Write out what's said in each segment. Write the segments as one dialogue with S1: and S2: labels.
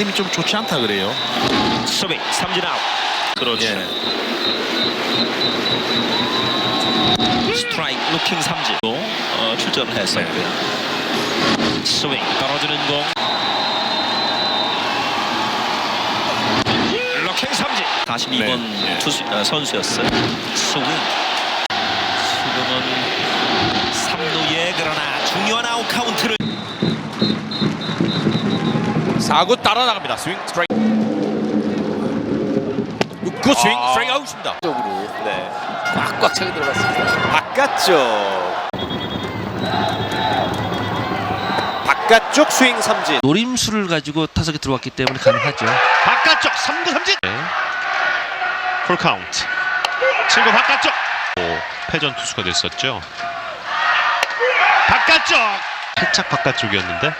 S1: 느낌이 좀 좋지 않다 그래요.
S2: 스윙 삼진 아웃. 그렇죠.
S1: 예.
S2: 스트라이크 루킹 삼진 출전을 했었고요. 스윙 떨어지는 공. 루킹 삼진. 42번
S1: 네.
S2: 선수였어요. 스윙. 지금은 3루에 그러나 중요한 아웃 카운트를
S3: 4구 따라 나갑니다. 스윙 스트라이크. 6구 스윙 스트라이크 아웃입니다.
S4: 쪽으로 네 꽉꽉 차게 들어갔습니다. 바깥쪽 스윙 삼진.
S5: 노림수를 가지고 타석에 들어왔기 때문에 가능하죠.
S3: 바깥쪽 3구 삼진. 풀 카운트. 7구 바깥쪽. 패전 투수가 됐었죠. 바깥쪽. 살짝 바깥쪽이었는데.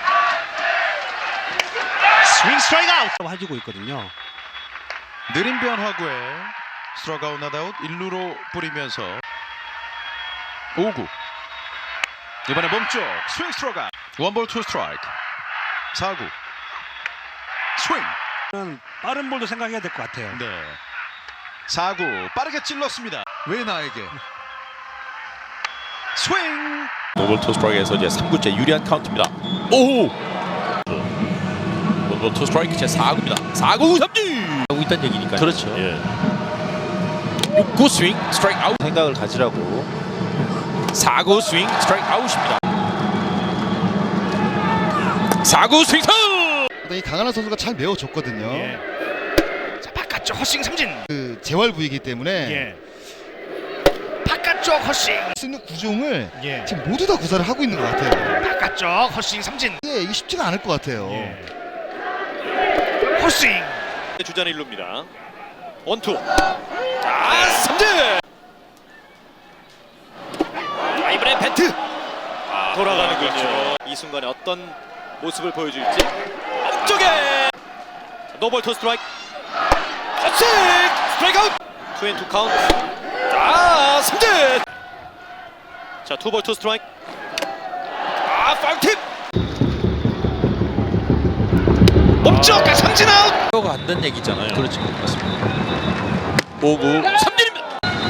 S3: 스윙 스트라이크 아웃.
S6: 해주고 있거든요.
S7: 느린 변화구에 스트라이크 아웃 낫아웃 1루로 뿌리면서 5구 이번에 몸쪽 스윙 스트라이크 원볼 투 스트라이크 4구 스윙
S6: 빠른 볼도 생각해야 될 것 같아요.
S7: 네 4구 빠르게 찔렀습니다. 왜 나에게 스윙
S3: 노볼 투 스트라이크에서 이제 3구째 유리한 카운트입니다. 오! 노볼 투 스트라이크 제 4구입니다. 4구 삼진! 하고 있다는 얘기니까요.
S5: 그렇죠.
S3: 예. 6구 스윙 스트라이크 아웃.
S4: 생각을 가지라고.
S3: 4구 스윙 스트라이크 아웃입니다. 4구 스윙 선!
S8: 이 강하나 선수가 잘 메워줬거든요.
S3: 자, 바깥쪽 헛스윙 삼진.
S8: 그 재활 부위이기 때문에
S3: 바깥쪽 헛스윙.
S8: 쓰는 구종을 지금 모두 다 구사를 하고 있는 것 같아요.
S3: 바깥쪽 헛스윙 삼진.
S8: 이게 쉽지가 않을 것 같아요.
S3: 헛스윙.
S4: 주전 1루입니다. 원투. 삼진. 이번에 배트. 돌아가는군요. 이 순간에 어떤 모습을 보여줄지. 앞쪽에 노볼 투 스트라이크. 헛스윙 스트라이크 아웃. 투앤투 카운트. 삼진. 자, 투볼 투 스트라이크. 파울팁. 몸쪽 삼진 아웃.
S3: 가 안 된 얘기잖아요.
S5: 그렇죠.
S3: 맞습니다. 5구 삼진입니다.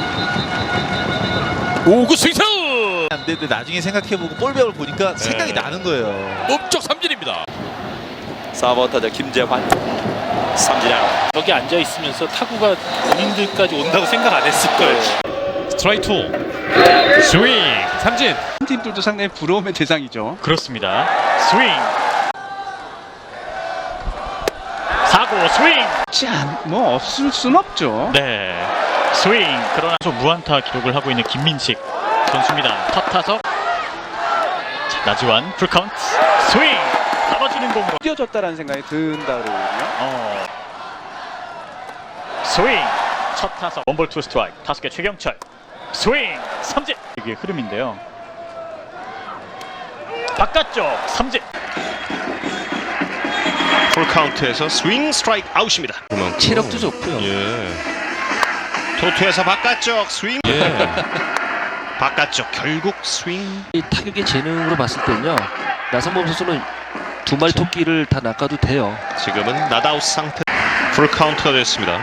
S3: 5구 스윙스.
S4: 안 되는데 나중에 생각해보고 볼배을 보니까 생각이 나는 거예요.
S3: 몸쪽 삼진입니다.
S4: 4번 타자 김재환. 삼진 아웃.
S9: 여기 앉아 있으면서 타구가 본인들까지 온다고 생각 안 했을 거예요.
S3: 스트라이크 2. 스윙 삼진.
S6: 팀들도 상당히 부러움의 대상이죠.
S9: 그렇습니다. 스윙. 4구 스윙.
S6: 뭐 없을 순 없죠.
S9: 네. 스윙. 그러나 무안타 기록을 하고 있는 김민식 선수입니다. 첫 타석. 자, 나지완 풀카운트. 스윙. 잡아주는 공으로
S6: 뛰어졌다라는 생각이 든다 그러거든요.
S9: 스윙. 첫 타석 원볼 투 스트라이크. 타석의 최경철. 스윙. 삼진. 이게 흐름인데요. 바깥쪽 삼진.
S3: 풀 카운트에서 스윙 스트라이크 아웃입니다.
S5: 체력도 좋고요.
S3: 예. 토투에서 바깥쪽 스윙. 예. 바깥쪽 결국 스윙.
S5: 이 타격의 재능으로 봤을 때는요. 나성범 선수는 두 마리 토끼를 다 낚아도 돼요.
S3: 지금은 낫아웃 상태. 풀 카운트가 됐습니다.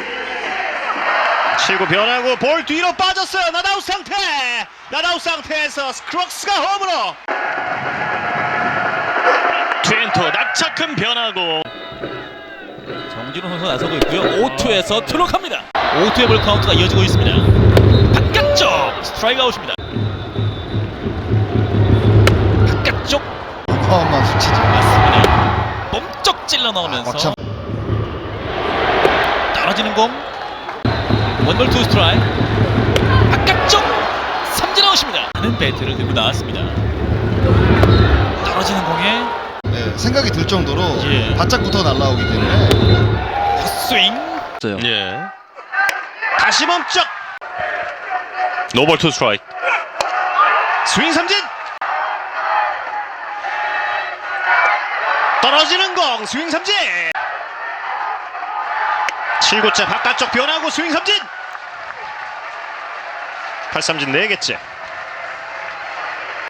S3: 7구 변하고 볼 뒤로 빠졌어요. 낫아웃 상태. 낫아웃 상태에서 스크록스가 홈으로. 트웬투 낙차큰 변하고.
S2: 정진호 선수 나서고 있고요. 5투에서 들어갑니다. 5투의 볼 카운트가 이어지고 있습니다. 바깥쪽 스트라이크 아웃입니다. 바깥쪽
S8: 어마어마한 수치죠.
S2: 맞습니다. 몸쪽 찔러 넣으면서 떨어지는 공. 원볼 투 스트라이크. 바깥쪽 삼진 아웃입니다. 하는 배트를 들고 나왔습니다. 떨어지는 공에
S8: 생각이 들 정도로
S2: 예.
S8: 바짝부터 날아오기 때문에
S2: 스윙.
S3: 예. 다시 멈쩍. 노볼 투 스트라이크. 스윙 삼진. 떨어지는 공 스윙 삼진. 7구째 바깥쪽 변하고 스윙 삼진. 8삼진 4개째.